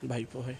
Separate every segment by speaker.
Speaker 1: ভাইপো হয়।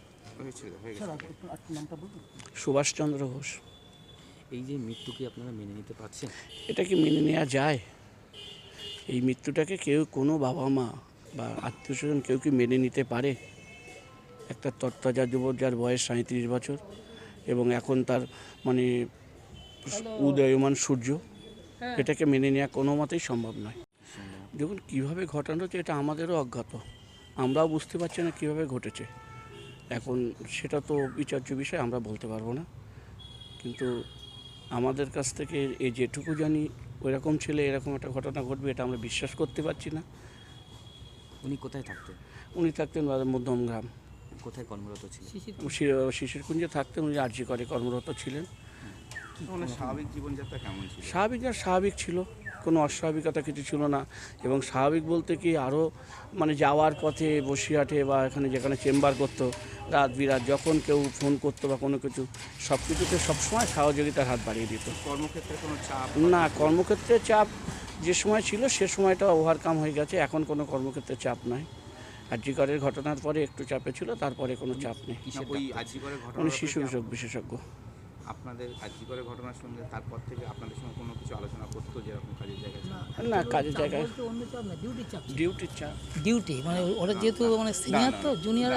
Speaker 2: সুভাষচন্দ্র ঘোষ।
Speaker 3: এই যে মৃত্যু কি আপনারা মেনে নিতে পারছেন?
Speaker 1: এটা কি মেনে নেওয়া যায়? এই মৃত্যুটাকে কেউ, কোনো বাবা মা বা আত্মীয় স্বজন কেউ কি মেনে নিতে পারে? একটা তত্ত্বাজা যুবক, যার বয়স 37 বছর এবং এখন তার মানে উদয়মান সূর্য, এটাকে মেনে নেওয়া কোনো মতেই সম্ভব নয়। দেখুন কীভাবে ঘটানো হচ্ছে এটা আমাদেরও অজ্ঞাত, আমরাও বুঝতে পারছি না কীভাবে ঘটেছে। এখন সেটা তো বিচার্য বিষয়, আমরা বলতে পারবো না। কিন্তু আমাদের কাছ থেকে এই যেটুকু জানি ওইরকম ছেলে এরকম একটা ঘটনা ঘটবে এটা আমরা বিশ্বাস করতে পারছি না।
Speaker 3: উনি কোথায় থাকতেন?
Speaker 1: উনি থাকতেন মধ্যমগ্রাম।
Speaker 3: কোথায় কর্মরত ছিলেন?
Speaker 1: শিশিরকুঞ্জে থাকতেন। উনি আরজি করে কর্মরত ছিলেন।
Speaker 2: স্বাভাবিক জীবনযাত্রা কেমন ছিল?
Speaker 1: স্বাভাবিক ছিল, কোনো অস্বাভাবিকতা কিছু ছিল না। এবং স্বাভাবিক বলতে কি আরও মানে যাওয়ার পথে বসিরহাটে বা এখানে যেখানে চেম্বার করতো, রাত বিরাত যখন কেউ ফোন করতো বা কোনো কিছু, সব কিছুতে সবসময় সহযোগিতার হাত বাড়িয়ে দিত।
Speaker 2: কর্মক্ষেত্রে কোনো চাপ?
Speaker 1: না, কর্মক্ষেত্রে চাপ যে সময় ছিল সে সময়টা ওভারকাম হয়ে গেছে, এখন কোনো কর্মক্ষেত্রে চাপ নাই। আরজি করের ঘটনার পরে একটু চাপে ছিল, তারপরে কোনো চাপ নেই।
Speaker 2: ওই আরজি করের ঘটনা
Speaker 1: উনি শিশু বিশেষজ্ঞ।
Speaker 2: আপনাদের আরজি করের ঘটনার সঙ্গে তারপর থেকে আপনাদের সঙ্গে কোনো কিছু আলোচনা করতো যেরকম কাজের জায়গায়?
Speaker 1: না, কাজের জায়গায়
Speaker 4: অন্য চাপ না, ডিউটির চাপ।
Speaker 1: ডিউটির চাপ।
Speaker 4: ডিউটি মানে ওরা যেহেতু মানে সিনিয়র, তো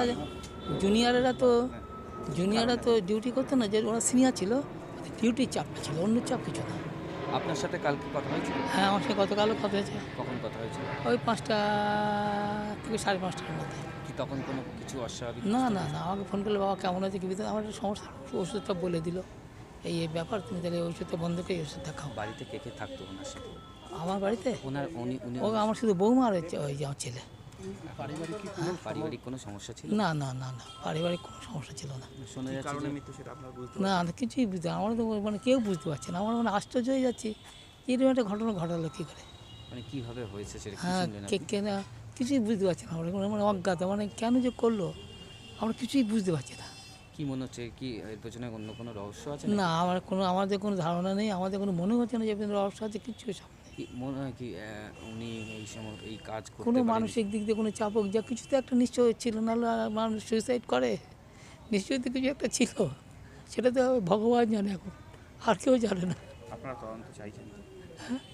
Speaker 4: জুনিয়ররা তো ডিউটি করতো না, যে ওরা সিনিয়র ছিল, ডিউটির চাপটা ছিল, অন্য চাপ কিছু না।
Speaker 3: আপনার সাথে কালকে কথা হয়েছিল?
Speaker 4: হ্যাঁ, আমার সাথে গতকালও কথা হয়েছে।
Speaker 3: কখন কথা হয়েছিল?
Speaker 4: ওই 5টা থেকে 5:30টার মধ্যে।
Speaker 3: কি তখন কোনো কিছু অস্বাভাবিক?
Speaker 4: না, আমাকে ফোন করলে, বাবা কেমন আছে কি আমার একটা সমস্যা, ওষুধটা বলে দিল, এই ব্যাপার, তুমি তাহলে ওষুধটা বন্ধ করে ওষুধটা খাও।
Speaker 3: বাড়িতে কে কে থাকতো ওনার সাথে?
Speaker 4: আমার বাড়িতে
Speaker 3: উনি
Speaker 4: ও আমার শুধু বৌমা আর ওই যে আমার ছেলে।
Speaker 3: পারিবারিক কোনো সমস্যা ছিল?
Speaker 4: না, পারিবারিক কোনো সমস্যা ছিল না।
Speaker 3: শোনা যাচ্ছে
Speaker 2: কারণে
Speaker 3: যে
Speaker 2: মৃত্যু সেটা আপনারা বুঝতে
Speaker 4: না, কিছুই বুঝতে, আমরা তো মানে কেউ বুঝতে পারছে না। আমরা মানে আশ্চর্য হয়ে যাচ্ছি, এরকম একটা ঘটনা ঘটালো কী করে।
Speaker 3: মানে কিভাবে হয়েছে সেটা কি
Speaker 4: হ্যাঁ,
Speaker 3: শুনলেন আপনি?
Speaker 4: না, কিছুই বুঝতে পারছি না আমরা, মানে অজ্ঞাত, মানে কেন যে করলো আমরা কিছুই বুঝতে পারছি না।
Speaker 3: কি মনে হচ্ছে, কি এর পেছনে অন্য কোনো রহস্য আছে?
Speaker 4: না, আমাদের কোনো ধারণা নেই, আমাদের কোনো মনে হচ্ছে না যে রহস্য আছে, কিছু সামনে।
Speaker 3: কি মনে হয় কি উনি এই সময় এই কাজ করতে
Speaker 4: কোনো
Speaker 3: পারেন?
Speaker 4: মানসিক দিক দিয়ে কোনো চাপ হোক, যা কিছু তো একটা নিশ্চয় ছিল, নাহলে মানুষ সুইসাইড করে, নিশ্চয়ই তো কিছু একটা ছিল, সেটা তো ভগবান জানে, এখন আর কেউ জানে না।
Speaker 2: আপনারা তদন্ত চাইছেন?
Speaker 4: হ্যাঁ।